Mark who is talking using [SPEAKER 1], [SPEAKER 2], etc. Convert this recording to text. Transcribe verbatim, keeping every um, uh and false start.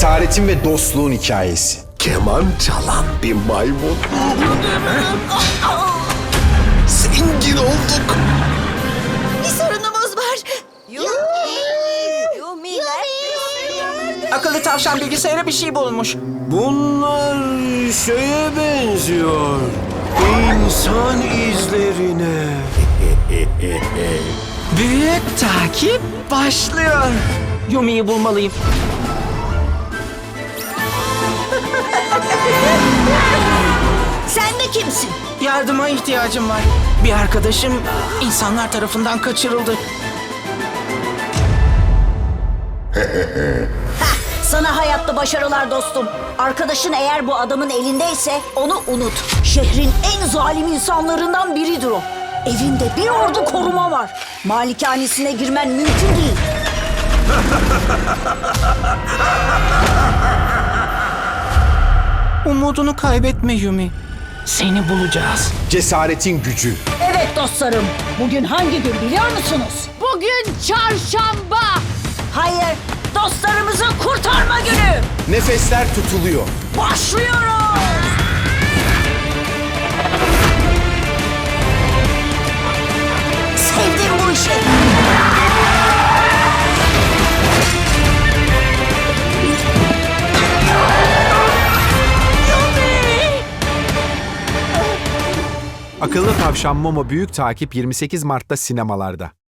[SPEAKER 1] Cesaretin ve dostluğun hikayesi.
[SPEAKER 2] Keman çalan bir maymun. Zengin olduk.
[SPEAKER 3] Bir sorunumuz var.
[SPEAKER 4] Akıllı tavşan bilgisayara bir şey bulmuş.
[SPEAKER 2] Bunlar şeye benziyor. İnsan izlerine.
[SPEAKER 4] Büyük takip başlıyor. Yumi'yi bulmalıyım.
[SPEAKER 3] Sen de kimsin?
[SPEAKER 4] Yardıma ihtiyacım var. Bir arkadaşım insanlar tarafından kaçırıldı.
[SPEAKER 3] Sana hayatta başarılar dostum. Arkadaşın eğer bu adamın elindeyse onu unut. Şehrin en zalim insanlarından biridir o. Evinde bir ordu koruma var. Malikanesine girmen mümkün değil.
[SPEAKER 4] Umudunu kaybetme Yumi. Seni bulacağız.
[SPEAKER 1] Cesaretin gücü.
[SPEAKER 3] Evet dostlarım. Bugün hangi gün biliyor musunuz?
[SPEAKER 5] Bugün çarşamba.
[SPEAKER 3] Hayır, dostlarımızı kurtarma günü.
[SPEAKER 1] Nefesler tutuluyor.
[SPEAKER 3] Başlıyoruz. Sevdim bu işi.
[SPEAKER 6] Akıllı Tavşan Momo Büyük Takip yirmi sekiz Mart'ta sinemalarda.